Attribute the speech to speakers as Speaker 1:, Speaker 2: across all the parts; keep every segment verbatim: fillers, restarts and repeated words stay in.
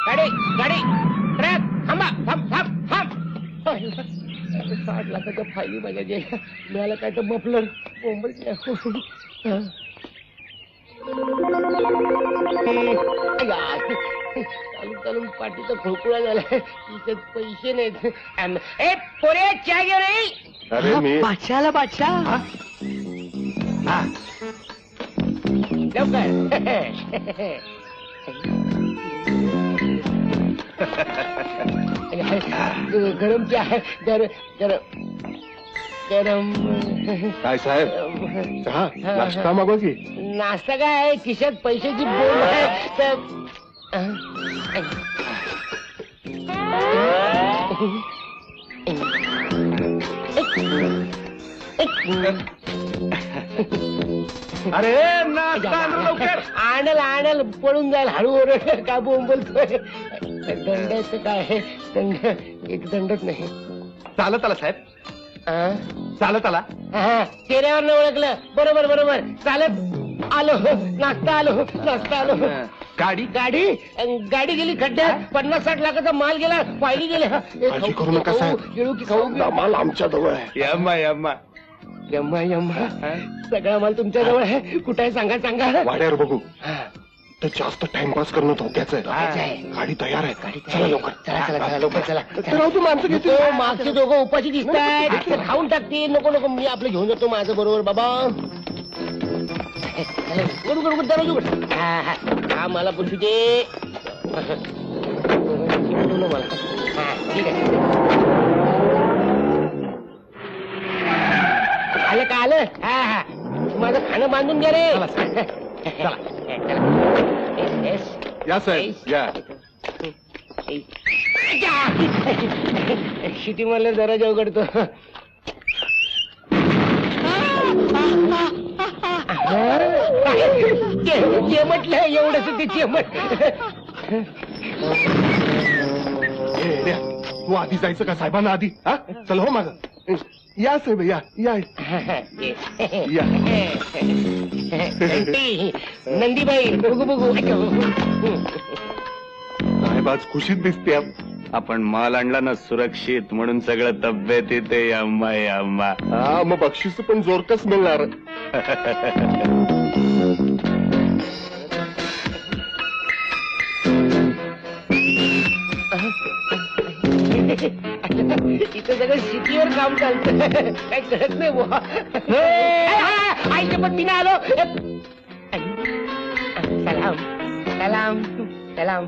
Speaker 1: गाडी गाडी ट्रक थांबा थांब थांब थांब साठ लाखाच्या फायली माझ्या गेल्या मिळालं काय तर मफलर मुंबई चालून चालून पाठीचा खोकुळा झालाय तिथे पैसे नाहीत ए पोरे चहा घे रे
Speaker 2: अरे मी
Speaker 3: बादशाला बादशाह
Speaker 1: लवकर गरम चहा गर गरम गरम
Speaker 2: काय साहेब चहा नाश्ता मागवा की.
Speaker 1: नाश्ता काय आहे खिशात पैशाची बोल आहे तर
Speaker 2: अरे नाश्ता आण लवकर.
Speaker 1: आणल आणल पळून जाईल हळू ओरड का बोंबलतोय दंडाचं काय आहे दंड एक दंडच नाही
Speaker 2: चालत आला साहेब
Speaker 1: आ?
Speaker 2: चालत आला.
Speaker 1: हा, चेहऱ्यावर न ओळखलं बरोबर बरोबर चालत आलो नाश्ता आलो नाश्ता आलो
Speaker 2: गाडी
Speaker 1: गाडी गाडी गेली खड्ड्यात पन्नास साठ लाखाचा माल गेला पायली गेल्या
Speaker 2: काळजी करू नका साहेब.
Speaker 1: गिळू की खाऊ
Speaker 2: माल आमच्या जवळ आहे.
Speaker 4: यम्मा यम्मा
Speaker 1: यम्मा यम्मा सगळा माल तुमच्या जवळ आहे कुठे आहे सांगा सांगा
Speaker 2: वाड्यावर बघू.
Speaker 1: हा,
Speaker 2: तर जास्त टाइमपास करणं धोक्याचं
Speaker 1: धोक्याचं
Speaker 2: आहे.
Speaker 1: आहे.
Speaker 2: गाडी तयार आहे.
Speaker 1: गाडी
Speaker 2: चला लवकर.
Speaker 1: चला चला चला लवकर चला
Speaker 2: राहू तू माणसं घेतो.
Speaker 1: नको, मागचे दोघं उपाशी दिसतायत ते खाऊन टाकतील नको नको मी आपलं घेऊन जातो माझं बरोबर बाबा चला, उघड, उघड, उघड, दरवाजा उघड. हा, हा, हा मला पुढची दे बोलवलं मला. हा, ठीक आहे आलं का आलं हा हा माझं खाणं बांधून घ्या रे चला येस
Speaker 2: या साहेब या.
Speaker 1: शिटी मला दरवाजा उघडतो चेमटलं एवढंच ते चेमट
Speaker 2: ए, रे, तू आधी जायचं का साहेबांना आधी हा चल हो माग या साहेब या या या.
Speaker 1: नंदीबाई बघू बघू
Speaker 2: साहेब आज खुशीत दिसते.
Speaker 4: आपण माल आणला ना सुरक्षित म्हणून सगळं तब्येत येते यम्मा यम्मा.
Speaker 2: हा मग बक्षीस पण जोरकस मिळणार.
Speaker 1: इथं सगळं शेतीवर काम चालतं काय कळत नाही बुवा आईच्या पण मी आलो सलाम सलाम सलाम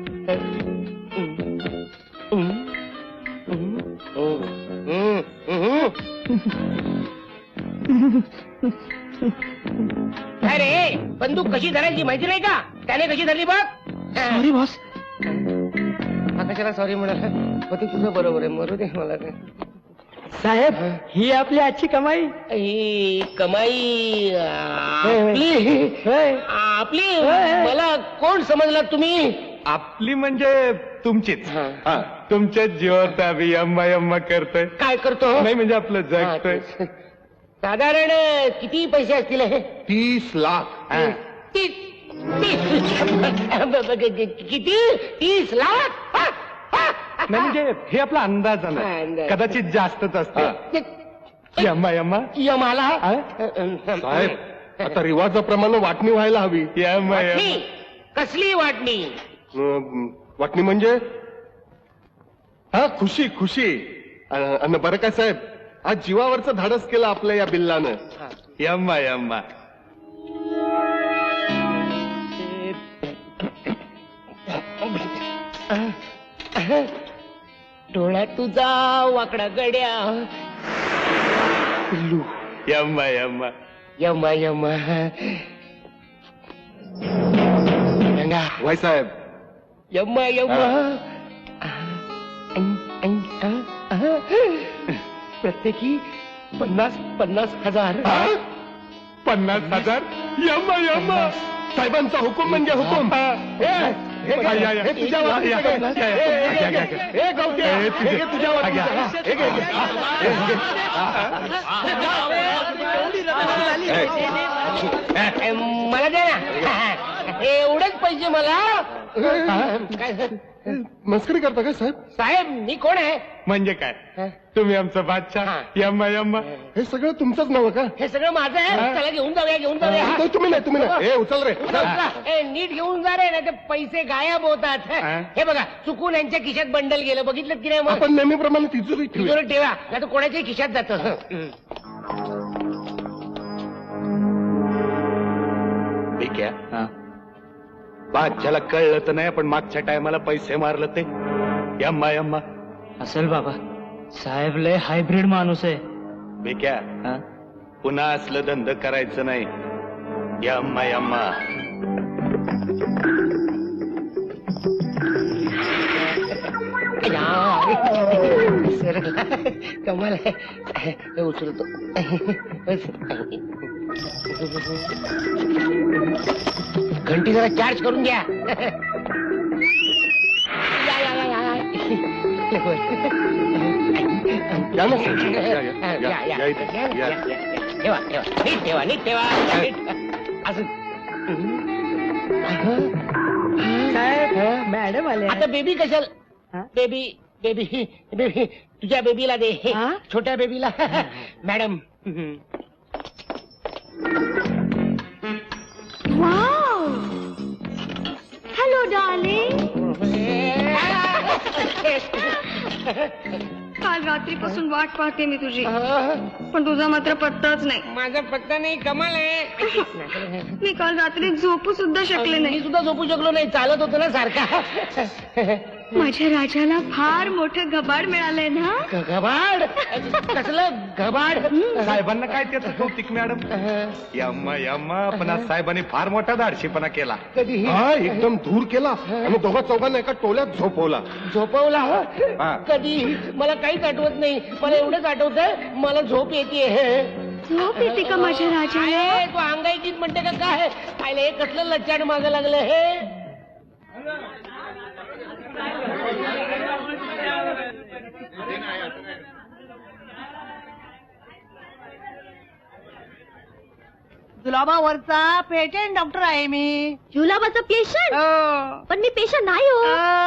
Speaker 1: अरे बंदूक कशी धरायची माहिती नाही का त्याने कशी धरली बघ
Speaker 3: सॉरी बॉस.
Speaker 1: कशाला सॉरी म्हणाला होते तुझं बरोबर आहे मरू दे मला काय
Speaker 3: साहेब ही आपली आजची कमाई.
Speaker 1: ही कमाई आपली आपली मला कोण समजला तुम्ही
Speaker 4: आपली म्हणजे तुमचीच.
Speaker 1: हा.
Speaker 4: हा, तुमच्याच जीवावर आम्ही यम्मा यम्मा करतोय.
Speaker 1: काय करतो
Speaker 4: नाही म्हणजे आपलं
Speaker 1: हा,
Speaker 4: जगतोय.
Speaker 1: तेच. साधारण किती पैसे असतील हे
Speaker 2: तीस लाख.
Speaker 4: हा.
Speaker 1: तीस तीस किती तीस लाख हा, हा.
Speaker 4: नाही म्हणजे हे आपला अंदाज
Speaker 1: हा,
Speaker 4: आहे
Speaker 1: अंदाज.
Speaker 4: कदाचित जास्तच असते. यम्मा यम्मा
Speaker 1: यमाला
Speaker 4: हा?
Speaker 2: साहेब आता रिवाजाप्रमाणे वाटणी व्हायला हवी.
Speaker 4: यम्मा
Speaker 1: वाटणी?
Speaker 4: यम्मा.
Speaker 1: कसली वाटणी
Speaker 2: अं, वाटणी म्हणजे हा खुशी खुशी. अं, अन बरं काय साहेब आज जीवावरचं धाडस केलं आपल्या या बिल्लानं.
Speaker 4: यम्मा यम्मा.
Speaker 1: डोळ्यात तुझा वाकडा गड्या पिल्लू
Speaker 4: यम्मा यम्मा.
Speaker 1: यमा यमा गंगा
Speaker 2: वाय साहेब
Speaker 1: यम्मा यम्मा प्रत्येकी पन्नास पन्नास हजार
Speaker 4: पन्नास हजार. यम्मा यम्मा.
Speaker 2: साहेबांचा हुकूम म्हणजे हुकूम. ए, हे घे,
Speaker 4: या, या, या.
Speaker 2: हे तुझ्या
Speaker 4: या,
Speaker 2: वाटणीचं
Speaker 4: या,
Speaker 2: घे.
Speaker 4: या, या.
Speaker 2: ए, हे
Speaker 4: घ्या,
Speaker 2: घे,
Speaker 4: घ्या, घ्या.
Speaker 2: हे गवत्या,
Speaker 4: हे तुझे.
Speaker 2: हे घे तुझ्या
Speaker 4: घ्या.
Speaker 2: वाटणीचं. हे घे, हे घे. हे घे.
Speaker 1: मला दे ना एवढेच पैसे मला काय
Speaker 2: मस्करी करता काय साहेब?
Speaker 1: साहेब मी कोण आहे?
Speaker 4: म्हणजे काय तुम्ही आमचा बादशाह
Speaker 1: हा.
Speaker 4: यम्मा यम्मा.
Speaker 2: हे सगळं तुमचंच नाव का?
Speaker 1: हे सगळं माझं आहे. चला घेऊन जाऊया घेऊन जाऊया
Speaker 2: नाही, तुम्ही नाही तुम्ही नाही हे उचल रे
Speaker 1: उचल, उचल. ए, नीट घेऊन जा रे नाही ते पैसे गायब होतात.
Speaker 4: हा.
Speaker 1: हे बघा चुकून यांच्या खिशात बंडल गेलं बघितलं की नाही मग
Speaker 2: आपण नेहमीप्रमाणे तिजोरी ठेवूया.
Speaker 1: तिजोरीत ठेवा नाही तर कोणाच्याही खिशात जातं.
Speaker 4: ठीक आहे. बादशाला कळलं तर नाही पण मागच्या टायमाला पैसे मारलं ते यम्मा यम्मा.
Speaker 3: असेल बाबा, साहेब लय हायब्रिड माणूस आहे.
Speaker 4: बेक्या
Speaker 3: हा?
Speaker 4: पुन्हा असलं धंद करायचं नाही. यम्मा यम्मा.
Speaker 1: सर कमाल आहे. हे उचलतो. घंटी जरा चार्ज करून घ्या. या, या, या, या.
Speaker 2: या ना साहेब. या, या,
Speaker 1: या,
Speaker 2: या,
Speaker 1: या,
Speaker 2: या इथे.
Speaker 1: या,
Speaker 2: या.
Speaker 1: या, या. ठेवा ठेवा नीट ठेवा नीट ठेवा नीट. असं
Speaker 3: साहेब मॅडम आले.
Speaker 1: आता बेबी कशाला?
Speaker 3: हा?
Speaker 1: बेबी बेबी बेबी तुझ्या बेबीला दे.
Speaker 3: हा?
Speaker 1: छोट्या बेबीला. Madam
Speaker 5: hello darling. काल रात्रीपासून वाट पाहते मी तुझी, पण तुझा मात्र पत्ताच नाही.
Speaker 1: माझा पत्ता नाही. कमाल आहे.
Speaker 5: मी काल रात्री झोपू सुद्धा शकले
Speaker 1: मी
Speaker 5: नाही.
Speaker 1: सुद्धा झोपू शकलो नाही. चालत होतो ना सारखा.
Speaker 5: माझ्या राजाला फार मोठं घबाड मिळालंय ना.
Speaker 1: ग- घबाड कसलं घबाड?
Speaker 4: साहेबांना काय त्याचं कौतिक मॅडम. यम्मा यम्मा. पण आज साहेबांनी फार मोठा धाडशीपणा केला.
Speaker 1: कधी
Speaker 2: हा एकदम धूर केला आणि दोघा चौघांना एका टोल्यात झोपवला.
Speaker 1: झोपवला?
Speaker 2: हा.
Speaker 1: कधी? मला काहीच आठवत नाही. मला एवढंच आठवतंय मला झोप येते.
Speaker 5: झोप येते का माझ्या राजाला?
Speaker 1: तू अंगाईकीत म्हणते का काय? पाहिलं हे कसलं लच्चाड मागं लागलं हे.
Speaker 3: जुलाबावरचा पेटेंट डॉक्टर आहे मी.
Speaker 5: जुलाबाचा पेशंट? पण मी पेशंट नाही हो.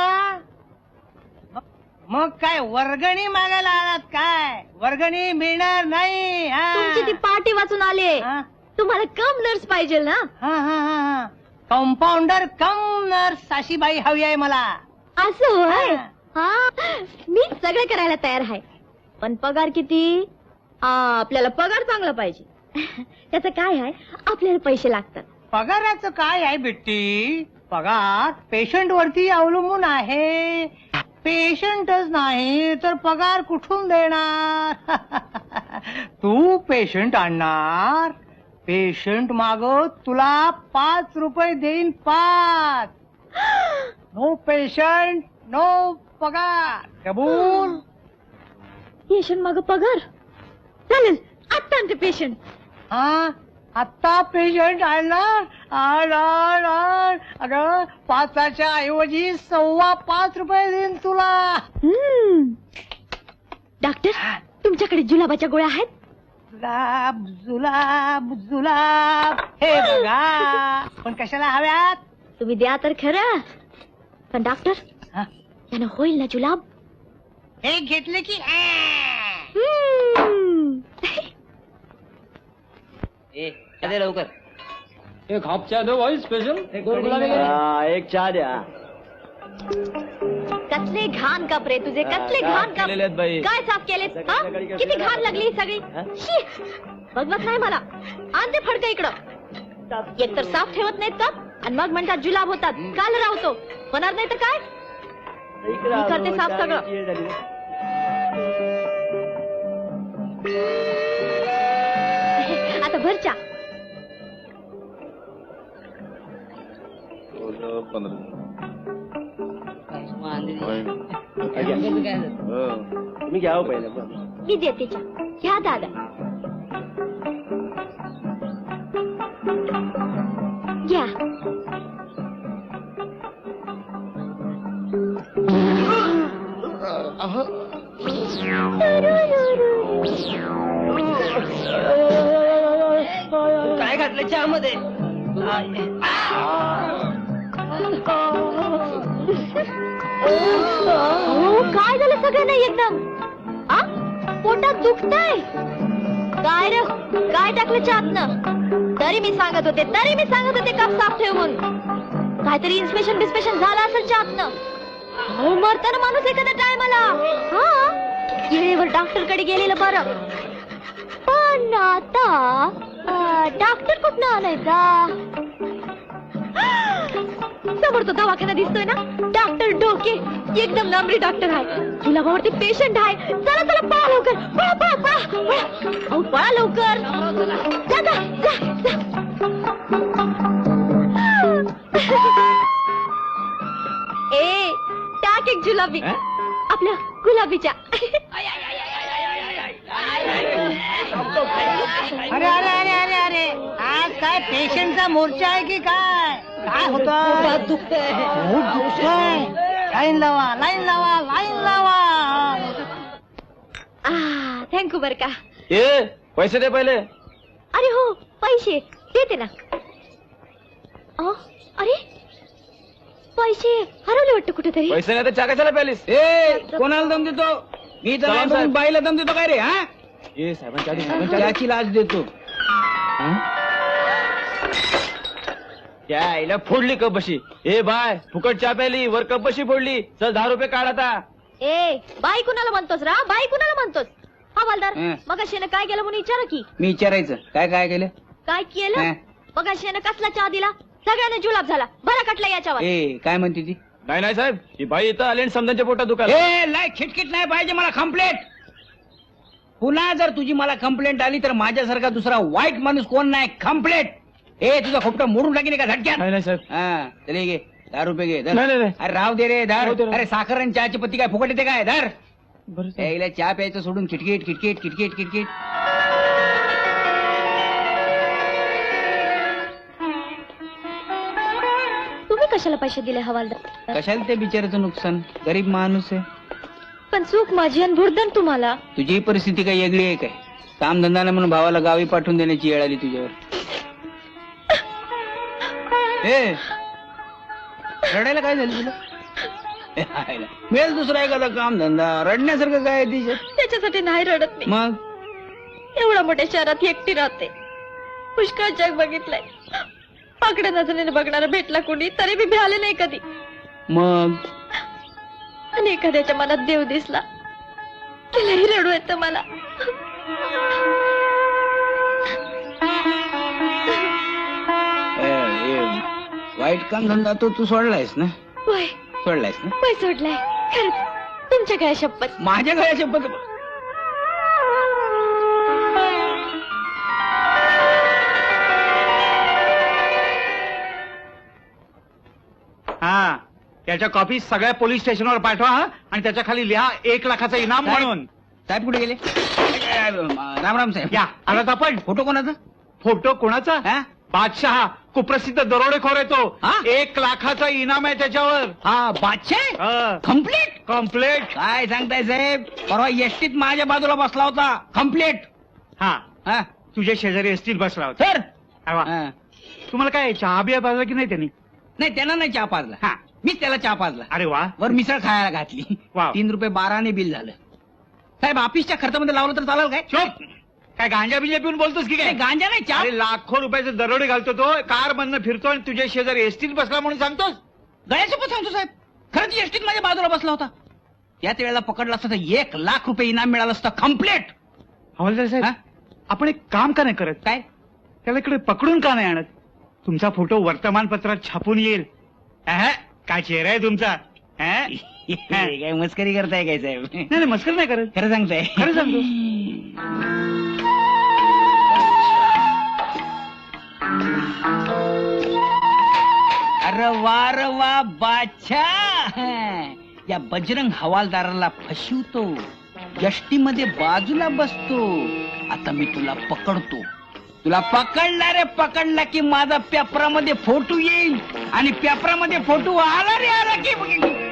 Speaker 3: मग काय वर्गणी मागायला आलात काय? वर्गणी मिळणार नाही.
Speaker 5: तुमची ती पार्टी वाचून आले. तुम्हाला कम नर्स पाहिजे ना?
Speaker 3: कंपाऊंडर कम नर्स साशीबाई हवी आहे मला.
Speaker 5: असं होय. हा मी सगळं करायला तयार आहे. पण पगार किती? आ, आपल्याला पगार चांगला पाहिजे. त्याचं काय आहे, आपल्याला पैसे लागतात.
Speaker 3: पगाराचं काय आहे बिट्टी? पगार पेशंट वरती अवलंबून आहे. पेशंटच नाही तर पगार कुठून देणार? तू पेशंट आणणार, पेशंट मागत तुला पाच रुपये देईन. पाच. नो पेशंट नो पगार. कबूल?
Speaker 5: पेशंट माग पगार? चालेल, आत्ता आणते पेशंट.
Speaker 3: हा आत्ता पेशंट आणणार. आण आण आण. अगं पाचाच्या ऐवजी सव्वा पाच रुपये देईन तुला.
Speaker 5: हम्म. डॉक्टर, तुमच्याकडे जुलाबाच्या गोळ्या आहेत?
Speaker 3: जुलाब जुलाब जुलाब. हे बघा. पण कशाला हव्यात?
Speaker 5: तुम्ही द्या तर खरं. पण डॉक्टर,
Speaker 3: हा?
Speaker 5: त्यानं होईल ना जुलाब?
Speaker 3: हे घेतले की
Speaker 5: हम्म.
Speaker 1: लवकर
Speaker 3: एक हाफ चहा दो भाई स्पेशल.
Speaker 6: एक चहा द्या.
Speaker 5: कसले घाण कपडे तुझे, कसले घाण
Speaker 6: केलेले आहेत बाई.
Speaker 5: कप. काय साफ केलेस? हा?
Speaker 6: सगळीकडे कसले
Speaker 5: किती घाण
Speaker 6: घाण
Speaker 5: लागली ही सगळी. शी. बघवत नाही मला. आण ते फडकं इकडं. एक तर साफ ठेवत नाहीत का, आणि मग म्हणतात जुलाब होतात. काल राहतो होणार नाही तर काय? मी करते साफ सगळं. आता भर चहा.
Speaker 6: तुम्ही घ्या पहिले.
Speaker 5: मी देते चहा. घ्या दादा. घ्या.
Speaker 3: काय घातलं चहा मध्ये?
Speaker 5: अहो, काय झालं सगळ्यांना एकदम आ पोटात दुखतंय काय रे काय टाकलं चहातनं तरी मी सांगत होते तरी मी सांगत होते कप साफ ठेवून काहीतरी इन्स्पेक्शन बिस्पेशन झालं असेल चहातनं अहो मरताना माणूस एखाद्या टायमाला हा वेळेवर डॉक्टर कडे गेलेलं बरं पण आता डॉक्टर कुठनं आणायचा समोर तो दवाखाना दिसतोय ना डॉक्टर डोके एकदम नंबरी डॉक्टर आहे तुला भावरती पेशंट आहे चला चला पळा लवकर पळा पळा पळा पळा अहो पळा लवकर जा जा जा ए टाक एक जुलाबी आपल्या गुलाबीच्या
Speaker 3: अरे अरे अरे अरे अरे आज काय पेशंटचा मोर्चा आहे की काय काय होतं दुखतंय दुखतंय लाईन लावा लाईन लावा लाईन लावा
Speaker 5: थँक्यू बर का
Speaker 6: ए पैसे दे पहिले.
Speaker 5: अरे हो पैसे देते ना अहो, अरे पैसे हरवले वाटतं कुठेतरी
Speaker 6: पैसे नाही तर चहा कशाला प्यालीस? ए कोणाला दम देतो मी तर नाही बघून बाईला दम देतो काय रे? हा ए साहेबांच्या त्याची लाच देतो. त्या आईला फोडली कप बशी. ए बाय फुकट चहा प्याली वर कप बशी फोडली. चल दहा रुपये काढ आता.
Speaker 5: ए बाई कुणाला म्हणतोस रा बाई कुणाला म्हणतोस हवालदार
Speaker 6: हं.
Speaker 5: मग शेनं काय केलं म्हणून विचारा की
Speaker 6: मी विचारायचं काय काय केलं?
Speaker 5: काय केलं
Speaker 6: हं.
Speaker 5: मग शेनं कसला चहा दिला सगळ्यांना जुलाब झाला बरा कटला याच्यावर
Speaker 6: ए काय म्हणते ती? नाही नाही साहेब ही बाई इथं आली आणि समजांच्या पोटात दुखायला. ए नाही खिटखिट नाही पाहिजे मला कंप्लेंट. पुन्हा जर तुझी मला कंप्लेंट आली तर माझ्यासारखा दुसरा वाईट माणूस कोण नाही. कंप्लेंट. ए तुझा खोपटा मोडून टाकीन का झटक्यात? नाही साहेब. हा चले घे दहा रुपये घे धर. अरे राव दे रे धर. अरे साखर आणि चहाची पत्ती काय फुकट येते काय? धर. यायला चहा प्यायचं सोडून खिटखिट खिटखिट खिटखिट खिटखिट.
Speaker 5: तुम्ही कशाला पैसे दिले हवालदार
Speaker 6: कशाला ते बिचाराचं नुकसान? गरीब माणूस आहे.
Speaker 5: पण चूक माझी आणि भुर्दन तुम्हाला
Speaker 6: तुझी परिस्थिती काही वेगळी आहे काय? काम धंदा नाही म्हणून भावाला गावी पाठवून देण्याची वेळ आली तुझ्यावर. ए रडायला काय झालं तुला? मिळेल दुसरा एखादा काम धंदा. रडण्यासारखं काय आहे तिच्यात?
Speaker 5: त्याच्यासाठी नाही रडत मी
Speaker 6: मग
Speaker 5: एवढ्या मोठ्या शहरात एकटी राहते पुष्कळ जग बघितलंय पाकड्या नजरेने बघणारा भेटला कोणी तरी मी भ्याले नाही कधी
Speaker 6: मग
Speaker 5: आणि एखाद्याच्या मनात देव दिसला तिलाही रडू येतं मला
Speaker 6: ए, ए, वाईट काम धंदा तो तू सोडलायस ना?
Speaker 5: वय
Speaker 6: सोडलायस ना?
Speaker 5: वय सोडलाय खरंच तुमच्या काय शपथ
Speaker 6: माझ्या गळ्या शपथ.
Speaker 4: हा त्याच्या कॉपी सगळ्या पोलीस स्टेशनवर पाठवा हा आणि त्याच्या खाली लिहा एक लाखाचा इनाम म्हणून.
Speaker 6: साहेब कुठे गेले? राम राम साहेब.
Speaker 4: या आलात आपण.
Speaker 6: फोटो कोणाचा?
Speaker 4: फोटो कोणाचा?
Speaker 6: हा?
Speaker 4: बादशहा कुप्रसिद्ध दरोडेखोर येतो.
Speaker 6: हा?
Speaker 4: एक लाखाचा इनाम आहे त्याच्यावर.
Speaker 6: हा बादशाह कम्प्लीट.
Speaker 4: कम्प्लेट.
Speaker 6: काय सांगताय साहेब? परवा एसटीत माझ्या बाजूला बसला होता. कम्प्लीट.
Speaker 4: हा
Speaker 6: हा
Speaker 4: तुझ्या शेजारी असतील बसला होता.
Speaker 6: सर.
Speaker 4: अरे वा.
Speaker 6: हा.
Speaker 4: तुम्हाला काय चहा बिया पाजला की नाही त्यांनी?
Speaker 6: नाही त्यांना नाही चहा पाजला.
Speaker 4: हा
Speaker 6: मीच त्याला चहा पाजला.
Speaker 4: अरे वा.
Speaker 6: वर मिसळ खायला घातली.
Speaker 4: वाव.
Speaker 6: तीन रुपये बाराने बिल झालं. साहेब ऑफिसच्या खर्चामध्ये लावलं तर चालेल काय?
Speaker 4: चुप. काय गांजा बिंजा पिऊन बोलतोस की काय?
Speaker 6: नाही, गांजा नाही चहा.
Speaker 4: अरे लाखो रुपयाचे दरोडे घालतो तो कार मधनं फिरतो आणि तुझ्या शेजारी एसटीत बसला म्हणून सांगतोस?
Speaker 6: गळ्यासोबत सांगतो साहेब. खरंच एसटीत माझ्या बाजूला बसला होता. याच वेळेला पकडला असता तर एक लाख रुपये इनाम मिळालं असतं. कम्प्लीट.
Speaker 4: हवालदार साहेब
Speaker 6: हा?
Speaker 4: आपण एक काम का नाही करत?
Speaker 6: काय?
Speaker 4: त्याला इकडे पकडून का नाही आणत? तुमचा फोटो वर्तमानपत्रात छापून येईल. अहं, काय चेहरा आहे तुमचा. अहं?
Speaker 6: काय मस्करी करताय काय साहेब?
Speaker 4: नाही नाही मस्कर नाही करत.
Speaker 6: खरं सांगताय?
Speaker 4: खरं सांगतो.
Speaker 6: अरे वा रे वा बादशाह. या बजरंग हवालदाराला फसवतो. यष्टी मध्ये बाजूला बसतो. आता मी तुला पकडतो. तुला पकडला रे पकडला की माझा पेपरामध्ये फोटो येईल आणि पेपरामध्ये फोटो आला रे आला की